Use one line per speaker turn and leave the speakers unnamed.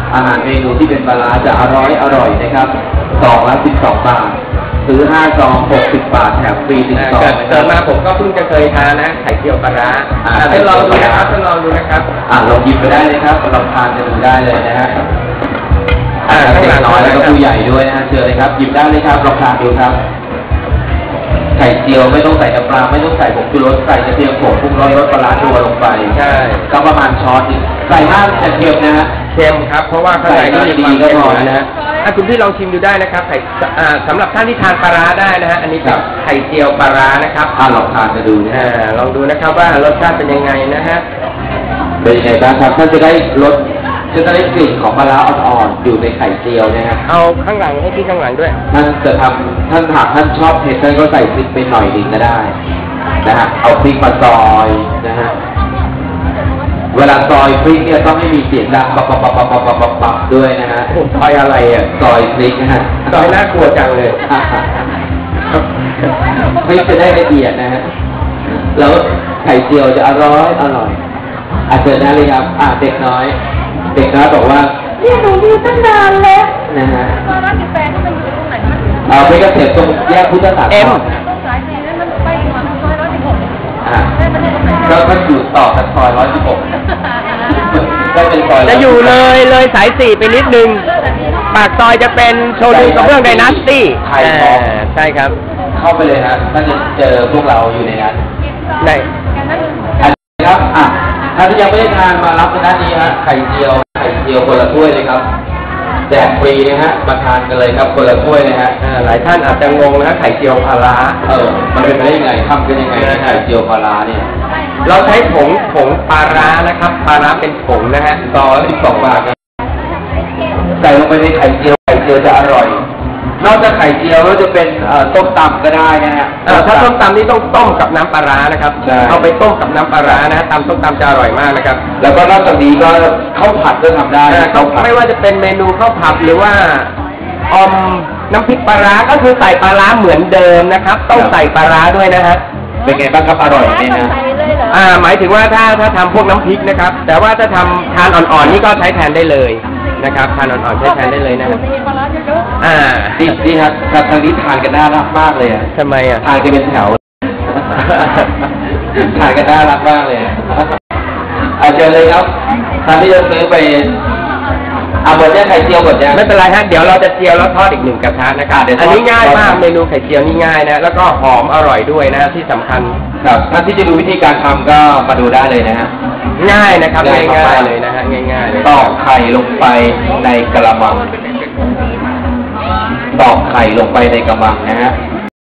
อาหารเมนูที่เป็นปลาร้าจะอร่อยนะครับซองละ12 บาทซื้อ5 ซอง60 บาทแถมฟรี1 ซอง
เกิดมาผมก็เพิ่งจะเคยทานนะไข่เจียวปลาร้าทดลองดูนะครับทดลองดูนะครับ
ลองหยิบไปได้เลยครับลองทานจะดูได้เลยนะฮะเด็กน้อยแล้วก็ผู้ใหญ่ด้วยนะเชิญเลยครับหยิบได้เลยครับลองทานดูครับไข่เจียวไม่ต้องใส่น้ำปลาไม่ต้องใส่ผงชูรสใส่กระเทียมโขลกปรุงรสปลาร้าตัวลงไป
ใช่
ก็ประมาณช้อนนึงใส่มากจะเค็มนะฮะ
เค็มครับเพราะว่าข้างในก็มีความเค็มนะฮะคุณพี่ลองชิมดูได้นะครับไข่สำหรับท่านที่ทานปลาร้าได้นะฮะอันนี้ครับไข่เจียวปลาร้านะครับ
ลองทานจะดูนะ
ลองดูนะครับว่ารสชาติเป็นยังไงนะฮะ
เป็นยังไงบ้างครับท่านจะได้รสจะได้กลิ่นของปลาร้าอ่อนๆอยู่ในไข่เจียวนะฮะ
เอาข้างหลังให้พี่ข้างหลังด้วย
ท่านจะทำท่านหากท่านชอบเผ็ดท่านก็ใส่พริกไปหน่อยนึงก็ได้นะฮะเอาพริกมาซอยนะฮะเวลาซอยพริกเนี่ยต้องไม่มีเสียงดังปับด้วยนะฮะ
ซอยอะไรอ่ะ
ซอยพริกนะฮะ
ซอยน่ากลัวจังเลย
พริกจะได้ละเอียดนะฮะแล้วไข่เจียวจะอร่อยเชิญได้เลยครับเด็กน้อยบอกว่า
เนี่ยหนูยืนตั้งนานแล้ว
นะฮะ
ร้านกาแฟที่มันอยู่ตรงไหน
ไม่เกษตรตรงแยกพุทธศาสนา
สาย
สี่นั้นมันไปมาซอย116
ก็อยู่ต่อจากซอย116ก็เป็นซอย
จะอยู่เลยสาย4ไปนิดนึงปากซอยจะเป็นโชว์รูมกับเรื่องไดนาสตี้ใช่ครับ
เข้าไปเลยฮะท่านจะเจอพวกเราอยู่ในนั้น
ไหน
ครับถ้าที่ยังไม่ได้ทานมารับในด้านนี้ฮะไข่เจียวคนละถ้วยเลยครับแจกฟรีนะฮะมาทานกันเลยครับคนละถ้วยนะฮะ
หลายท่านอาจจะงงนะไข่เจียวปลาร้า
มันเป็นไปได้ยังไงทำกันยังไงนะไข่เจียวปลาร้าเนี่ย
เราใช้ผงปลาร้านะครับปลาร้าเป็นผงนะฮะ
ซองละ12 บาทใส่ลงไปในไข่เจียวจะอร่อยนอกจากไข่เจียวแล้วจะเป็นต้มตำก็ได้นะฮะ
ถ้าต้มตำนี่ต้องต้มกับน้ำปลาร้านะครับเอาไปต้มกับน้ำปลาร้านะตำต้มตำจะอร่อยมากนะครับ
แล้วก็นอกจากนี้ก็ข้าวผัดก็ทำได้
ไม่ว่าจะเป็นเมนูข้าวผัดหรือว่าน้ำพริกปลาร้าก็คือใส่ปลาร้าเหมือนเดิมนะครับต้องใส่ปลาร้าด้วยนะฮะ
เป็นไงบ้างครับอร่อยไหมนะ
หมายถึงว่าถ้าทำพวกน้ำพริกนะครับแต่ว่าถ้าทำทานอ่อนๆนี่ก็ใช้แทนได้เลยนะครับทานอ่อนๆใช้แทนได้เลยนะครับ
ดีครับทางนี้ทานกันน่ารักมากเลยอ่ะ
ทำไมอ่ะ
ทานกันเป็นแถวทานกันน่ารักมากเลยเจอเลยครับท่านที่จะซื้อไปหมดยังไข่เจียวหมดยัง
ไม่เป็นไรฮะเดี๋ยวเราจะเจียวแล้วทอดอีก1 กระทะนะครับอันนี้ง่ายมากเมนูไข่เจียวนี่ง่ายนะแล้วก็หอมอร่อยด้วยนะที่สำคัญ
ครับท่านที่จะดูวิธีการทำก็มาดูได้เลยนะฮะ
ง่ายนะครับง่ายเลยนะฮะง่ายๆเลย
ตอกไข่ลงไปในกระมังตอกไข่ลงไปในกระมังนะฮะ